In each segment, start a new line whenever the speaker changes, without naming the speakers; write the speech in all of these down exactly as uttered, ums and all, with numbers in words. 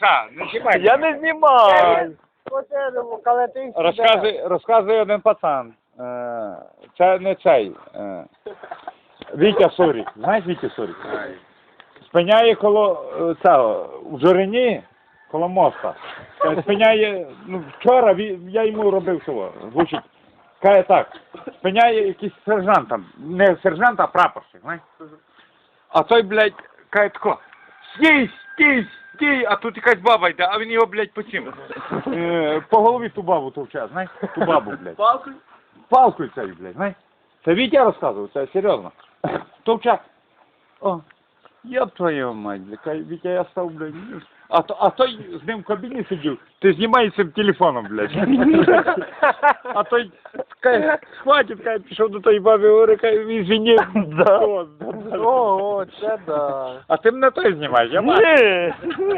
ша, не знімай.
Я не знімаю.
Розказує, розказує один пацан. Е, Це не цей. е, Вітя Сурік. Знаєш Вітя Сурік? Спиняє коло е, цього, в Жорині, коло моста. Каже, спиняє, ну вчора ві- я йому робив цього, звучить. Каже так, спиняє якийсь сержант там, не сержант, а прапорщик, знаєш? А той, блядь, каже тако, стій, стій, стій, а тут якась баба йде, а він його, блядь, по цим. Е, по голові ту бабу товче, знаєш? Ту бабу, блядь.
Палкою?
Палкою цією, блядь, знаєш? Це Вітя розказував, це серйозно. Товче. О, єб твою мать, блядь, каже, Вітя, я став, блядь. А, то, а той з ним в кабіні сидів, ти знімай цим телефоном, блядь. А той, каже, хватить, каже, пішов до тої баби, говорить, каже, извини.
Да.
О,
О, о, це да.
А ти мене той знімаєш, я бачу.
Ні.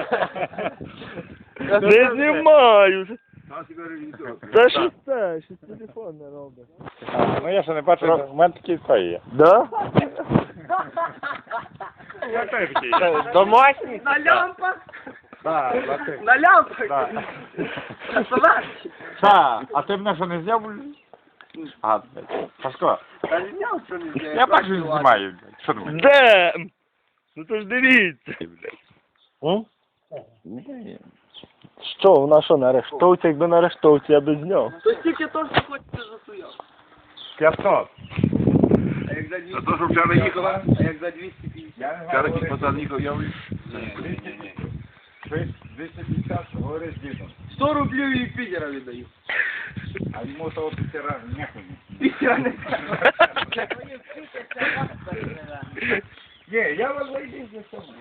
Не знімаю. Та що це? Що телефон не робить?
А, ну я ще не бачу, в мене такий той є.
Да?
Я теж такий.
Домашній?
На лямпах?
Так, так.
На лямпах?
Так.
Красавчик.
Та, а ти мене що не зняв? блядь? А, блядь, Пашко,
Та зняв, що не зняв.
я бачу, він знімає, блядь. Що думаєш?
Де? Ну то ж дивіться. М? Що, вона що на арештовці? Якби на арештовці, я би зняв.
То тільки то, що хочете засуяв.
п'ятсот.
А як за двісті?
А то, що вчора їхала?
А як за двісті п'ятдесят?
Я не
Вчора
знаю,
ті пацан їхав, я вже...
двісті п'ятдесят, говори з дідом.
сто рублів і Питера віддаю.
А йому того пітера нехуй.
Питера не
Ні, я вас зайду за собою.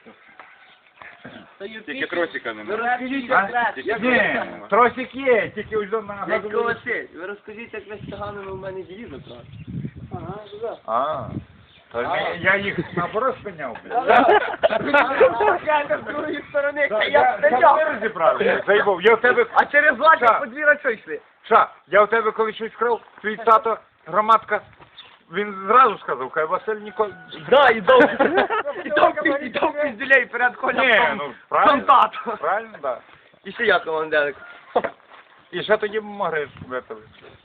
Тільки тросика не
Ви
має.
розкажіть,
А?
як
Ні, тросик є, тільки ось до на
Дядько Василь, ви розкажіть, як ви з циганами у мене ділі забрали. Ага, туди.
А, то
А.
я їх наоборот спиняв, блядь.
Я з другої сторони,
Так,
я
Я
стояв.
не розібрав, заїбав. Я в тебе...
А через лаки
Ша.
по дві рачо йшли.
Ша, я в тебе коли щось крав, твій тато, громадка, він зразу сказав, хай Василь ніколи...
Да, і довго. І довго, і довго пізділей перед
Ні,
колем.
ну, правильно,
Контакт.
правильно, да.
І ще я командирик.
І ще тоді могли випили.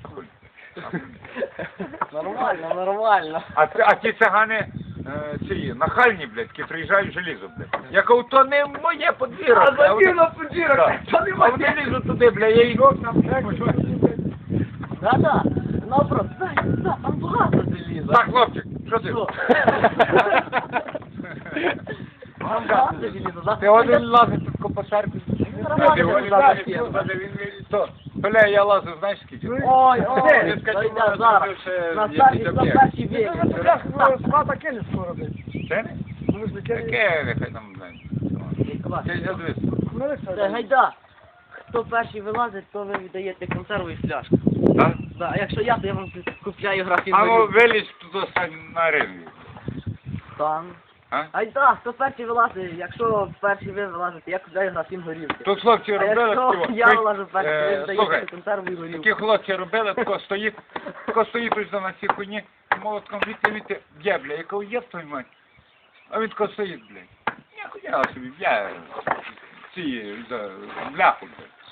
Нормально, нормально.
А, ці- а ті цигани, е, ці, нахальні, блядь, які приїжджають желізо, блядь. Я кажу, то не моє подвір'я.
А
блядь,
закинув
вони-
подвір'я,
Да.
то не
А вони
моє.
лізуть туди, блядь, я йду там, блядь.
Да-да, наоборот, дай, да, там багато заліза.
Так, хлопчик, що ти?
Що? Там багато заліза, да?
Ти один лазить тут копошарку.
Нормально,
Ти один
нормально.
лазить, тут, а він виліз, то. Бля, я лазив, знаєш скільки?
Ой, ой,
Ти скажи,
ой,
може,
зараз.
ти ще
На
є
старші,
якийсь
на
об'єкт.
старші віки.
Це не? Таке, нехай там, блядь. Це я дивись.
Це гайда. Хто перший вилазить, то ви віддаєте консерву і фляжку.
Так?
Да, а якщо я, то я вам купляю графін.
А ну вилізь туди стань на ринку.
Там.
А?
Айда, хто перший вилазить, якщо перший ви вилазите, я купляю графін горілки.
Тут хлопці
А
робили
якщо
такі,
я
ви-
вилажу перший, ви
е,
віддаєте
слухай,
консерву і горілку.
такі хлопці робили, тако стоїть, тако стоїть ось на цій хуйні, молотком віти, віти, б'є, бля, я кажу, є твою мать. А він тако стоїть, блядь. Я хуя собі, б'є ці, за, бляху, блядь.